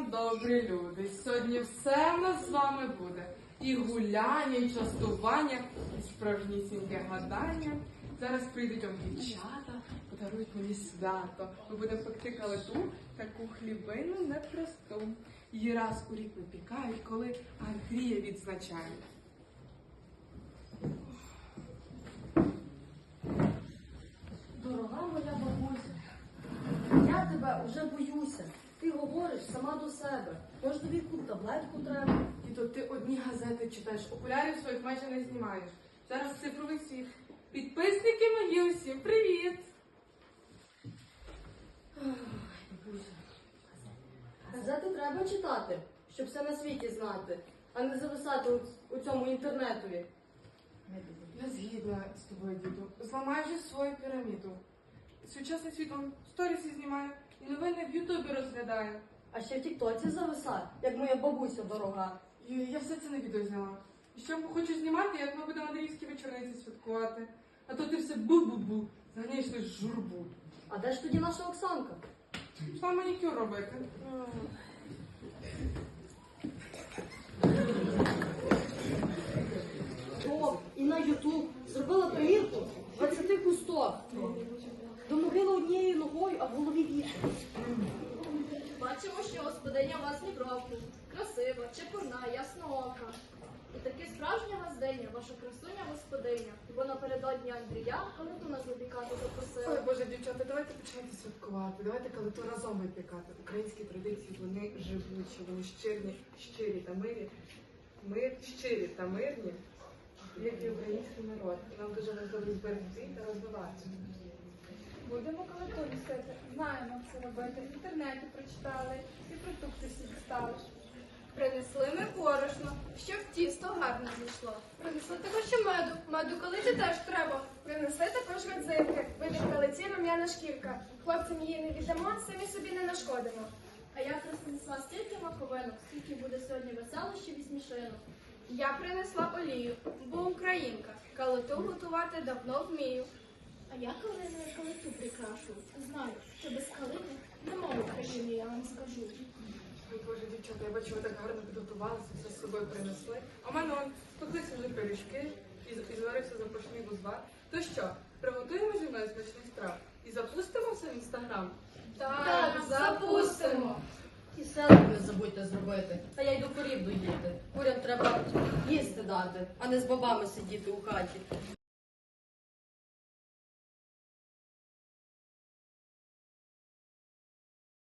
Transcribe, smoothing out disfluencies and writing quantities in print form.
добрі люди. Сьогодні все в нас з вами буде. І гуляння, і частування, і справжнісіньке гадання. Зараз прийдуть вам дівчата, подарують мені свято. Ми будемо пекти калиту, таку хлібину непросту. Її раз у рік випікають, коли Андрія відзначають. Дорога моя бабуся, я тебе уже боюся. Ти говориш сама до себе. Може тобі яку таблетку треба? І то ти одні газети читаєш, окулярів своїх майже не знімаєш. Зараз цифровий світ. Підписники мої усім, привіт! Ой, бабуся. Газети треба читати, щоб все на світі знати, а не зависати у цьому інтернетові. Я згідна з тобою, діду. Зламай вже свою піраміду. Сучасний світ он сторіси знімає і новини в Ютубі розглядає. А ще в Тіктоці зависать, як моя бабуся дорога. І я все це на відео зняла. І ще хочу знімати, як ми будемо Андріївські вечорниці святкувати. А то ти все бу-бу-бу, заганяєш ти журбу. А де ж тоді наша Оксанка? Пішла манікюр робити. О, і на Ютуб зробила примірку 20 кусток. До могили однією ногою, а в голові вітер. Бачимо, що господиня у вас ні кроку. Красива, чепурна, ясноока. І таки справжня газдиня, ваша красуня господиня. Бо напередодні Андрія калиту нас випікати Ой, запросила. Боже, дівчата, давайте починати святкувати. Давайте калиту разом випікати. Українські традиції, вони живучі, вони щирі та мирі. Щирі та мирні, як і український народ. Нам дуже важливо зберегти та розвивати. Будемо калиту містити. Знаємо, як це робити. В інтернеті прочитали і продукти всі дістали. Принесли ми борошно, щоб тісто гарно зійшло. Принесли також ще меду. Меду калиті теж треба. Принесли також родзинки, вийде в калиці рум'яна шкірка. Хлопцям її не віддамо, самі собі не нашкодимо. А я принесла стільки маковинок, скільки буде сьогодні веселощів і смішинок. Я принесла олію, бо українка. Калиту готувати давно вмію. А я калиною калиту прикрашу. Знаю, що без калини нема в Україні, я вам скажу. Ой, Боже, дівчата, я бачу, ви так гарно підготувалися, все з собою принесли. А в мене он спеклися вже пиріжки і зварився запашний бузвар. То що, приготуємо зі мною смачний страв і запустимо все в інстаграм? Так, запустимо. І селфі не забудьте зробити. А я йду корів доїти. Курям треба їсти дати, а не з бабами сидіти у хаті.